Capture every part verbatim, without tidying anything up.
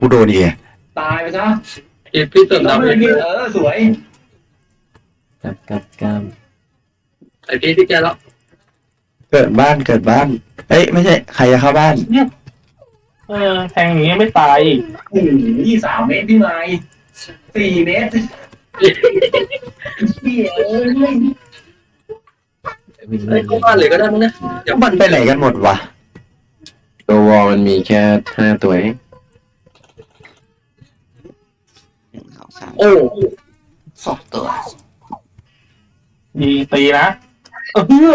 กูโดนอีกตายไปซะเอ็ดพี่เติมแล้วดำมันเองเออสวยกับกับกับไอพี่ที่แกแล้วเกิดบ้านเกิดบ้านเอ้ยไม่ใช่ใครจะเข้าบ้านเออแทงอย่างงี้ไม่ตายอีกโอ้โหยี่สามเมตรพี่ไม้สี่เมตรเหี้ยเอ้ยวิ่งไอ้เข้าบ้านเลยก็ได้มั้งนะเดี๋ยวมันไปไหนกันหมดวะตัววอลมันมีแค่ห้าตัวเองหนึ่งสองสามโอ้สองตัวยิงตีนะเออเพื่อ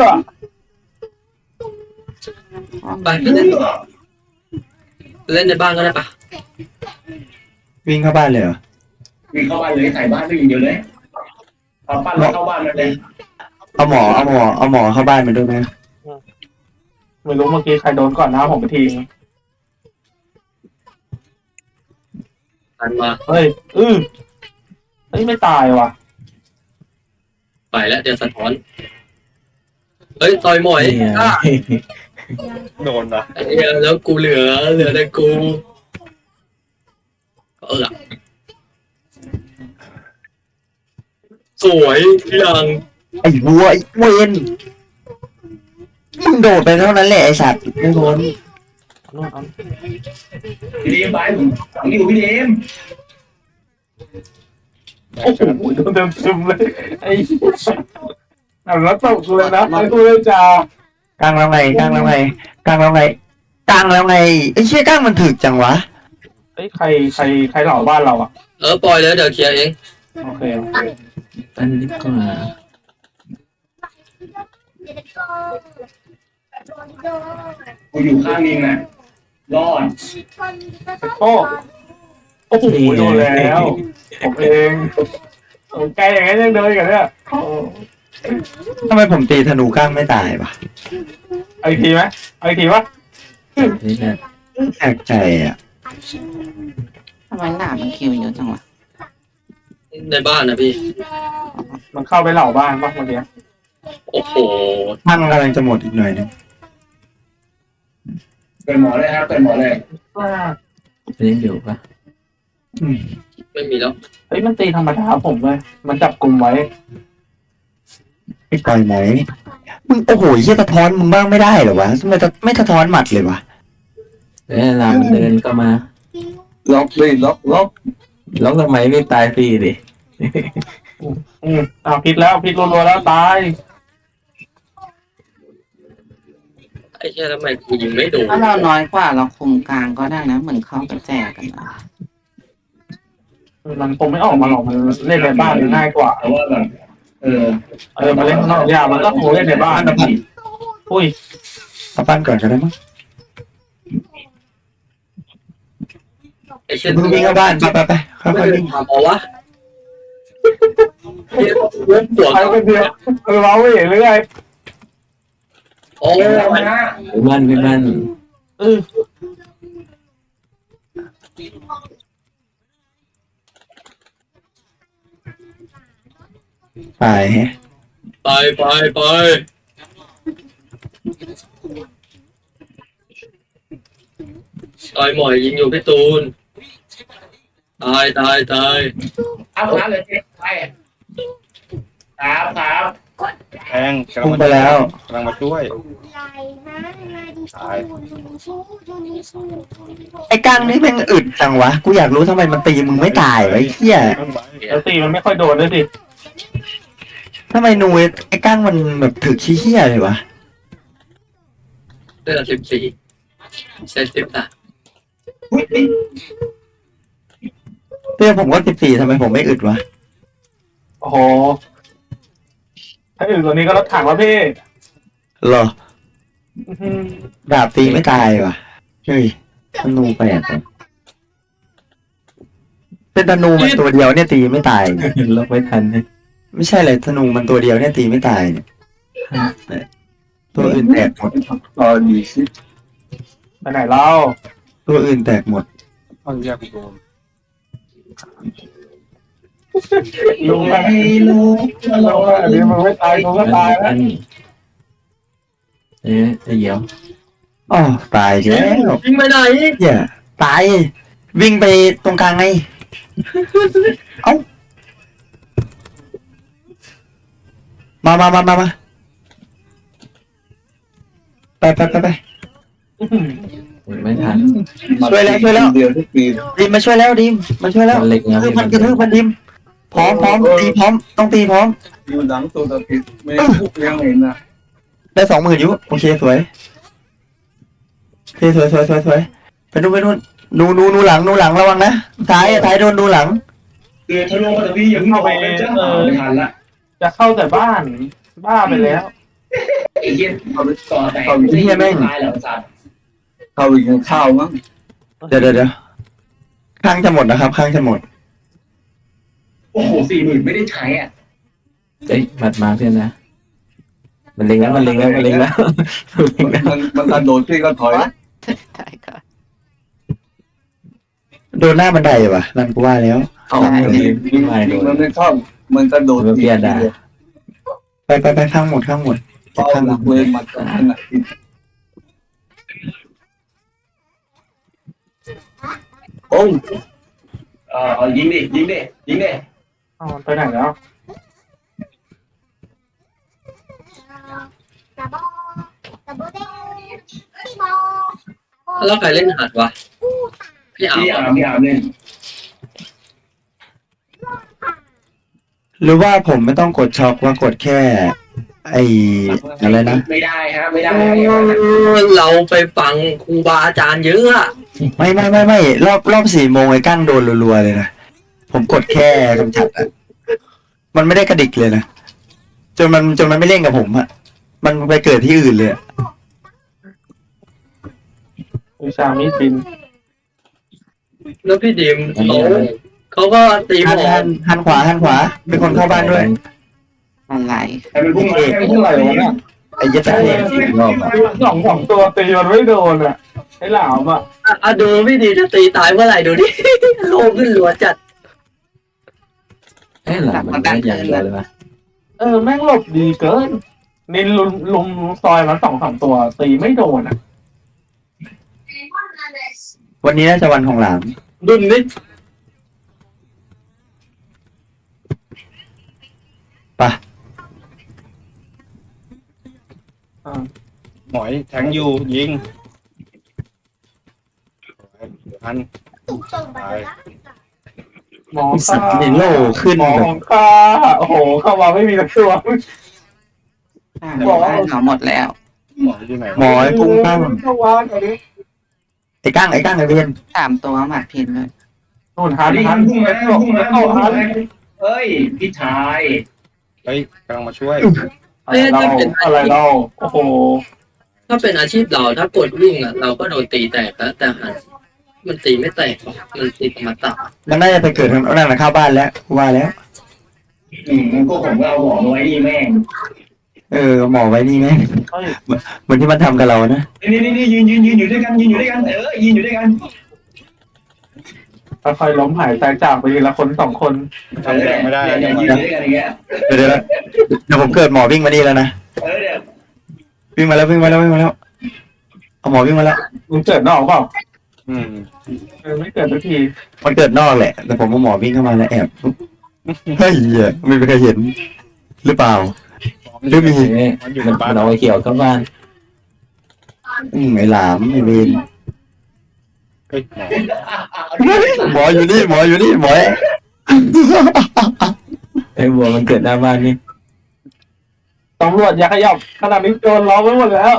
ไปไปเล่นเล่นในบ้านก็ได้ปะวิ่งเข้าบ้านเลยเหรอวิ่งเข้าบ้านเลยใส่บ้านไปอย่างเดียวเลยเอาปั้นแล้วเข้าบ้านมาเลยเอาหมอเอาหมอเอาหมอเข้าบ้านมาด้วยไหมไม่รู้เมื่อกี้ใครโดนก่อนนะผมไปทีทันมาเฮ้ยอือเฮ้ยไม่ตายว่ะไปแล้วเดี๋ยวสะท้อนเฮ้ยต่อยหมอยเนี่ยอ่ะโดนนะไอ้เหี้ยแล้วกูเหลือเหลือแต่กูเออสวยยังไอ้วัวไอ้เวนมึงโดดไปเท่านั้นแหละไอ้สัตว์ไม่พ้นนู่นเอาพี่ดีมไปผมฝังอยู่พี่ดีมโอ้โหโดนเต็มเต็มเลยไอ้เอาแล้วตกเลยนะไอ้ตัวเลยจ้ากลางแล้วไงกลางแล้วไงกลางแล้วไงกลางแล้วไงไอ้เชี่ยกลางมันถึกจังวะเฮ้ยใครใครใครเหล่าบ้านเราอ่ะเออปล่อยเลยเดี๋ยวเคลียร์เองโอเคโอเคอันนี้ก็กูอยู่ข้างนิงน่ะรอดโอ้โอ้โหโดนแล้วผมเองโอ้ไกลอย่างนั้นยังเดินกันเนี่ยโอ้ทำไมผมตีธนูกลางไม่ตายวะเอาอีกทีไหมเอาอีกทีวะนี่แหละแปลกใจอ่ะทำไมหนามันคิวเยอะจังวะในบ้านนะพี่มันเข้าไปเหล่าบ้านปะเมื่อกี้โอ้โหท่านกำลังจะหมดอีกหน่อยนึงเปิดหมอเลยครับเปิดหมอเลยเล่นอยู่ปะอืมไม่มีแล้วเฮ้ยมันตีธรรมดาผมเลยมันจับกลุ่มไว้ไม่ปล่อยไหมมึงโอ้โหเชี่ยสะท้อนมึงบ้างไม่ได้เหรอวะทำไมจะไม่สะท้อนหมัดเลยวะเอ้ยลามันเดินก็มาล็อกเลยล็อกล็อกล็อกทำไมไม่ตายฟรีดิอืมอ้าวพิษแล้วพิษรัวๆแล้วตายไอ้เหี้ยทำไมกูยิงไม่โดนถ้าเราน้อยกว่าเราคุมกลางก็ได้นะเหมือนเข้าไปแจกกันนะมันคงไม่ออกมาหรอกมันเล่นในบ้านมันง่ายกว่าแต่ว่าแบบเออเออมาเล่นข้างนอกยากมันก็คงเล่นในบ้านนะพี่อุ้ยเอาปั้นก่อนก็ได้มั้งไอ้เชี่ยมึงวิ่งเข้าบ้านไปไปไปค่ไม่อยๆได้วิ่งทำเอาวะเหี้ยเล่นปวดใครคนเดียวเออเราไม่เห็นเลยไงโอ้เดี๋ยวเรายนะพี่มันพี่มันเออตายแฮะไปไปไปต่อยหมอยยิงอยู่พี่ตูนตายตายตายเอาครับเลยไปครับครับแทงกำลัพุ่งงมาไปแล้วกำลังมาช่วย ตายไอ้กลางนี่แม่งอึดจังวะกูอยากรู้ทำไมมันตีมึงไม่ตายวะไอ้เหี้ยต้นไม้แล้วตีมันไม่ค่อยโดนด้วยสิทำไมนูไอ้กลางมันแบบถึกชี้เหี้ยเลยวะเลือดสิบสี่เซนสิบสามอุ้ยเรื่องผมก็สิบสี่ทำไมผมไม่อึดวะโอ้โหถ้าอื่นตัวนี้ก็รถถังแล้วพี่เหรออื้อหือดาบตีไม่ตายวะเฮ้ยธนูแปลกว่ะเป็นธนูมันตัวเดียวเนี่ยตีไม่ตายเนี่ยล็อกไม่ทันเลยไม่ใช่เลยธนูมันตัวเดียวเนี่ยตีไม่ตายเนี่ยตัวอื่นแตกหมดรอดีสิไปไหนเล่าตัวอื่นแตกหมดต้องแยกโดนลุงไม่อะรู้ลุงอะอันนี้มันไม่ตายลุงก็ตายแล้วอันเอ๊ะเดี๋ยวอ๋อตายแล้วยิงไปไหนเหี้ยตายวิ่งไปตรงกลางไงเอ้ามามามามามาไปไปไปไปไม่ทันช่วยแล้วช่วยแล้วเดียวทุกปีดิมมาช่วยแล้วดิมมาช่วยแล้วมันเล็กนะคือมันกระทืบมันดิมพร้อมพร้อมตีพร้อมต้องตีพร้อมอยู่หลังตัวตะกิดไม่ทุกเลี้ยงเห็นนะได้สองหมื่นอยู่โอเคสวยโอเคสวยสวยสวยสวยไปนู่นไปนู่นนูนูนูหลังนูหลังระวังนะท้ายท้ายโดนนูหลังคือทะลุมาตะพี่อย่าเพิ่งออกไปจ้าไม่ทันละจะเข้าแต่บ้านบ้าไปแล้วไอ้เหี้ยก่อแตกไม่ใช่แม่งตายเหรอสัตว์เข้าไปกินข้าวมั้งเดี๋ยวเดี๋ยวเดี๋ยวข้างจะหมดนะครับข้างจะหมดโอ้โหสี่หมื่นไม่ได้ใช้อ่ะเอ้ยหมัดมาเพื่อนนะมันเล็งแล้วมันเล็งแล้วมันเล็งแล้วมันเล็งแล้วมันมันกระโดดที่ก็ถอยได้ค่ะโดนหน้าบันไดว่ะนั่นกูว่าแล้วเอามันวิ่งมาโดนมันไม่เข้ามันกระโดดมันเพี้ยนได้ไปไปไปข้างหมดข้างหมดเป้าหลักเลยมันขนาดนี้โอ้ยเออยิงดิยิงดิยิงดิอ๋อไปไหนแล้วกระบอกกระบอกเด้พี่บอแล้วใครเล่นหัดวะพี่อาพี่อาร์ร์มพี่อาร์มเล่นหรือว่าผมไม่ต้องกดช็อคว่ากดแค่ ไอ้อะไรนะไม่ได้ฮะไม่ได้เราไปฟังครูบาอาจารย์เยอะอะไม่ไม่ไม่ไม่รอบรอบสี่โมงไอ้กั้งโดนรัวๆเลยนะผมกดแค่กำจัดอะมันไม่ได้กระดิกเลยนะจนมันจนมันไม่เล่นกับผมอะมันไปเกิดที่อื่นเลยอะวิชามีดบินแล้วพี่ดิมเขาเขาก็ตีหหันมอหันหันขวาหันขวาเป็นคนเข้าบ้านด้วยอะไรใครเป็นพุ่งมาใครเป็นพุ่งมาเลยเนี่ยไอ้ยัดตาเองรอบอะสองสองตัวตีมันไม่โดนอ่ะไอ้หลามอ่ะอ่ะอ่ะดูพี่ดีถ้าตีตายเมื่อไหร่ดูดิ โลกขึ้นรัวจัดเอ้ยหลังมันได้อย่างเดียวเลยปะเออแม่งหลบดีเกินนินลุมลุมซอยมันสองสามตัวตีไม่โดนอ่ะวันนี้น่าจะวันของหลามดุนนิดหมอยแทงอยู่ยิงพันตุ่มตุ่มไปแล้วหมอสัค่าตว์ในโลกขึ้นหมอแบบของข้าโอ้โหเข้ามาไม่มีสักตัวอ่าบ้านเขาหมดแล้วหมอยอยู่ไหนหมอไอ้กุ้งตั้งเข้าวานอันนี้ไอ้ก้างไอ้ก้างไอ้เวียนสามตัวหมัดพินเลยนู่นหันนี่หันพุ่งมาพุ่งมาเข้าพุ่งหัมาน เอ้ยพี่ชายเฮ้ยกำลังมาช่วยอะไรเราอะไรเราโอ้โหถ้าเป็นอาชีพเราถ้ากดวิ่งอ่ะเราก็โดนตีแตกแล้วแต่หันมันตีไม่แตกหรอกมันตีธรรมตามันน่าจะไปเกิดทางนั่นนะเข้าบ้านแล้วกูว่าแล้วอืมก็ผมก็เอาหมอมาไว้นี่แม่งเออหมอไว้นี่ไหมเฮ้ยเหมือนที่มันทำกับเรานะนี่นี่นี่ยืนยืนยืนอยู่ด้วยกันยืนอยู่ด้วยกันเออยืนอยู่ด้วยกันค่อยๆล้มหายตายจากไปทีละคนสองคนทำแดงไม่ได้เนี่ยยืนอยู่ด้วยกันอย่างเงี้ยเดี๋ยวเดี๋ยวเดี๋ยวผมเกิดหมอวิ่งมานี่แล้วนะเออเดี๋ยววิ่งมาแล้ววิ่งมาแล้ววิ่งมาแล้วเอาหมอวิ่งมาแล้วมึงเกิดนอกเปล่าอืมเออไม่เกิดสักทีมันเกิดนอกแหละแต่ผมเอาหมอวิ่งเข้ามาแล้วแอบเฮ้ยเหี้ยไม่มีใครเห็น หรือเปล่า หรือมีเอ้ยมันอยู่มัในนบ้านเอาไอ้เขียวเข้าบ้านอืมไอ้หลามไอ้เวนเฮ้ยหมอหมออยู่นี่หมออยู่นี่หมอไอ้บัวมันเกิดหน้าบ้านนี่ตำรวจอย่าขยับขนาดนี้โดนล้อมไว้หมดแล้ว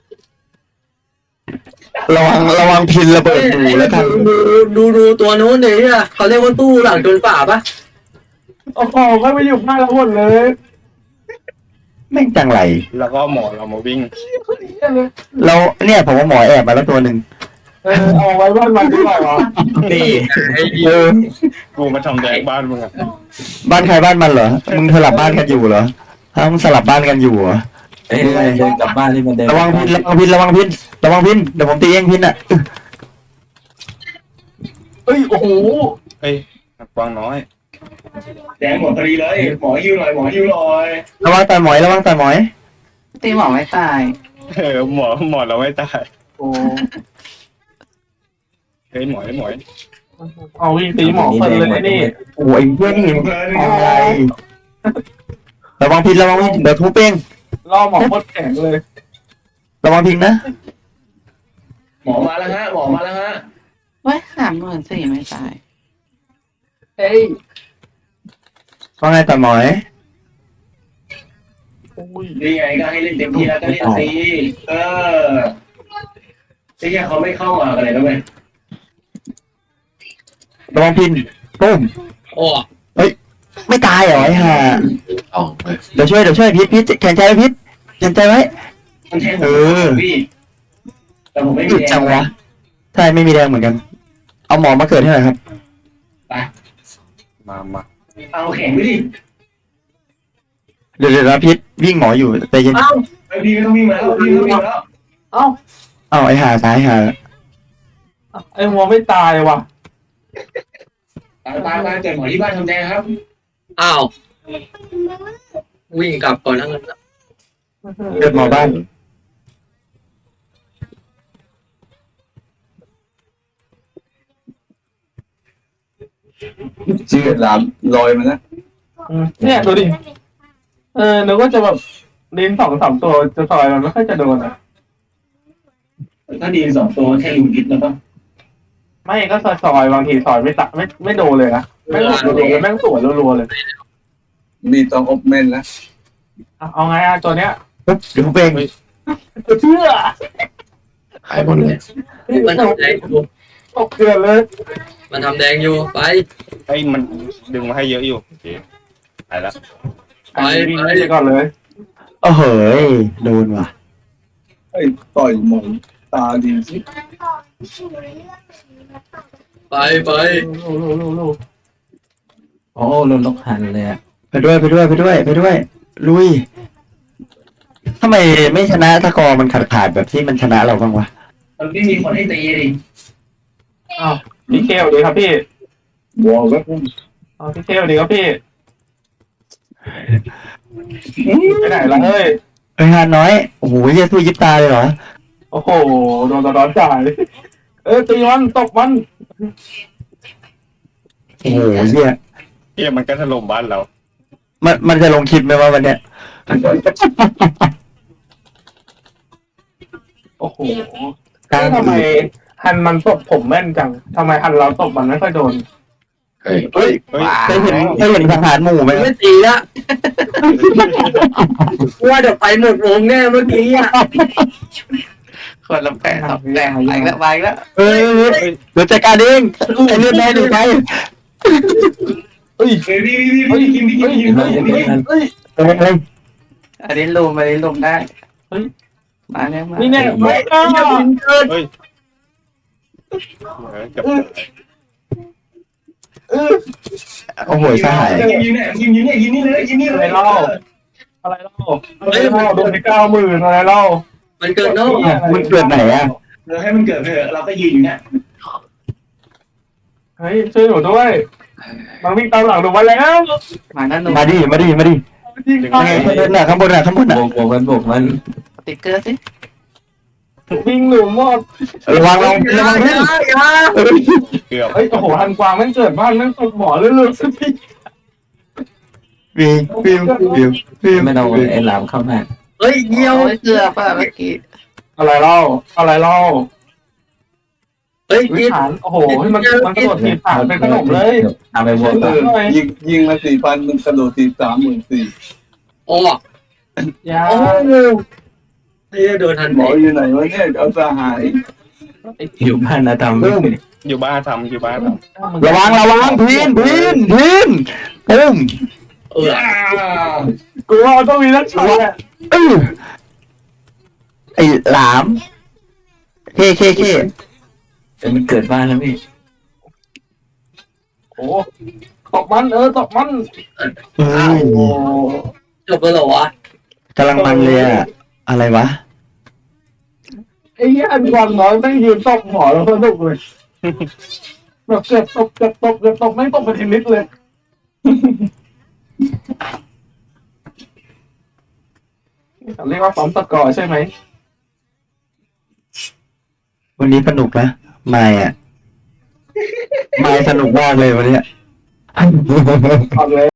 ระวังระวังพินระเบิดหนูแล้วกันดูดูดูตัวนู้นดิอ่ะเขาเรียกว่าตู้หลังโดนป่าปะโอ้โหไม่ไปอยู่หน้าเราหมดเลยแม่งจังไรแล้วก็หมอเรามาวิ่งเราเนี่ยผมว่าหมอแอบมาแล้วตัวหนึ่งเออเอาไว้บ้านมันดีกว่าวะนี่เออกูมาทำแดงบ้านมึงอ่ะบ้านใครบ้านมันเหรอมึงสลับบ้านกันอยู่เหรอฮะมึงสลับบ้านกันอยู่เหรอเอ้ยเดินกลับบ้านที่มันเดินระวังพินระวังพินระวังพินระวังพินเดี๋ยวผมตีเองพินอ่ะเอ้ยโอ้โหเฮ้ยกวางน้อยแดงหมดพอดีเลยหมอยิ้วหน่อยหมอยิ้วหน่อยระวังต่อยหมอยระวังต่อยหมอยตีหมอไม่ตายเออหมอหมอเราไม่ตายโอ้เฮ้ยหมอยหมอยเอาวิ่งตีหมอเพลินเลยนะนี่โอ้ยเพื่อนนี่มองอะไรระวังพินระวังพินเดี๋ยวทุบเองล่อหมอโคตรแข็งเลยระวังพินนะหมอมาแล้วฮะหมอมาแล้วฮะเว้ยสามหมื่นสี่ไม่ตายเฮ้ยว่าไงต่อหมอยอุ้ยนี่ไงก็ให้เล่นเต็มที่แล้วก็เล่นตีเออไอ้แค่เขาไม่เข้ามากันเลยนะเว้ยระวังพินปุ้มโอ้ไม่ตายเหรอไอ้ห่าเอาเดี๋ยวช่วยเดี๋ยวช่วยพิษพิษแข็งใจไว้พิษแข็งใจไว้มันแทงผเอมอพี่แต่ผมไม่มีจุดแรงจังวะใช่ไม่มีแรงเหมือนกัน เอาหมอมาเกิดให้หน่อยครับมามาเอาแข็งไปดิเดี๋ยวเดี๋ยวนะพิษวิ่งหมออยู่ใจเย็นเอ้าไอ้พี่ไม่ต้องวิ่งมาแล้วพี่ไม่ต้องวิ่งมาแล้วเอ้าเอาไอ้ห่าตายห่าไอ้หัวไม่ตายว่ะตายตายตายเกิดหมอที่บ้านทำแดงครับอ้าววิ่งกลับก่อนนะงั้นนะเกิดหมอบ้านชื่อหลามลอยมานะอืมเนี่ยดูดิ เออนึกว่าจะแบบลิ้นสองสามตัวจะซอยมันไม่ค่อยจะโดนอ่ะถ้าดีสองตัวแค่ลุงกิดแล้วก็ไม่ก็ซอยซอยๆบางทีซอยไม่ตะไม่ไม่โดนเลยนะแม่งหลุดรัวๆเลยแม่งสวนรัวๆเลยมีต้องอบเมนนะอ่ะเอาไงอ่ะตัวเนี้ยปุ๊บเดี๋ยวทุบเองเชื่อหายหมดเลยมันทำแดงอยู่ตกเกลือนเลยมันทำแดงอยู่ไปไอ้ยมันดึงมาให้เยอะอยู่โอเคไปแล้วไปวิ่งไปก่อนเลยโอ้โหยโดนว่ะไอ้ต่อยหมอนตาดีสิไปไปโอ้โดนล็อกหันเลยอะไปด้วยไปด้วยไปด้วยไปด้วย ลุยทำไมไม่ชนะสกอร์มันขาดขาดๆแบบที่มันชนะเราบ้างวะมันไม่มีคนให้ตีดิอ้าวพี่เกลดีครับพี่บัวก็อ้าวพี่เกลดีครับพี่ไปไหนล่ะเฮ้ยเอ้ยฮานน้อยโอ้โหเหี้ยสู้ยิบตาเลยเหรอโอ้โหโดนตะร้อนจ่ายเออตีมันตบมันโอ้โหเหี้ยเฮียมันก็ถล่มบ้านเรามันมันจะลงคลิปไหมว่าวันเนี้ยโอ้โหกลางทำไมฮันมันตบผมแม่นจังทำไมฮันเราตบมันไม่ค่อยโดนเฮ้ยเฮ้ยเฮ้ยเคยเห็นเคยเห็นทหารหมู่ไหมไม่ตีละว่าเดี๋ยวไปหมดวงแน่เมื่อกี้อ่ะคนละแปดสองแปดไปแล้วไปแล้วเอ้ยเดี๋ยวจัดการเองไอ้เลือดแดงหรือไงเฮ้ยเฮ้ยพี่พี่พี่พี่กินพี่กินพี่กินเฮ้ยพี่กินเฮ้ยเอ้ยเอ้ยอันนี้ลุมอันนี้ลุมได้มาแล้วมานี่นี่เนี่ยไม่กล้าเฮ้ยเออเกับโอ้โหสหายยิงยิงเนี่ยยิงยิงเนี่ยยิงนี่เลยยิงนี่อะเลไรยเล่าอะไรเล่าอะไรเล่าโดนไปเก้าหมื่นอะไรเล่ามันเกิดนอกมึงเกิดไหนอ่ะเราให้มันเกิดเถอะเราก็ยืนอยู่เนี่ยเฮ้ยช่วยหนูด้วยมันวิ่งตามหลังหนูมาแล้วมาแล้วหนูมาดิมาดิมาดิยิงยังไงข้างบนน่ะข้างบนน่ะข้างบนน่ะโบกโบกมันโบกมันติ๊กเกอร์สิวิ่งหนูหมดระวังระวังระวังนิดเกือบเฮ้ยโอ้โหฮันกวางแม่งเกิดบ้านแม่งตกหมอเรื่อยๆสักทีวิววิววิววิวไม่ต้องไอ้หลามเข้ามาเฮ้ยเยี่ยวโอ้ยเกือบอ่ะเมื่อกี้อะไรเล่าอะไรเล่าเฮ้ยวิกินฐานโอ้โหมันมันกระโดดทีฐานเป็นขนมเลยทำไปบวกเอต่ออยิงยิงมาสี่พันมันกระโดดตีสามหมื่นสี่โอ้ยาโอ้เฮ้ยโดนทันหมออยู่ไหนวะเนี่ยเอาสหายอยู่บ้านนะทำไม่ได้อยู่บ้านทำอยู่บ้านทระวังระวังพินพินพินปุ้มเออกูว่าต้องมีนักช็อตแหละเออไอ้หลามเคเคเคแต่มันเกิดบ้านแล้วพี่โอ้ตบมันเออตบมันเฮ้ยโอ้จบแล้วเหรอวะกำลังมันเลยอะอะไรวะไอ้เหี้ยอันกวางน้อยแม่งยืนตบหมอแล้วสนุกเลยแบบเกือบตบเกือบตบเกือบตบไม่งตบไปทีนิดเลยเรียกว่าซ้อมตะกอใช่ไหมวันนี้สนุกนะไม่อะไม่สนุกมากเลยวันเนี้ยเอาเลย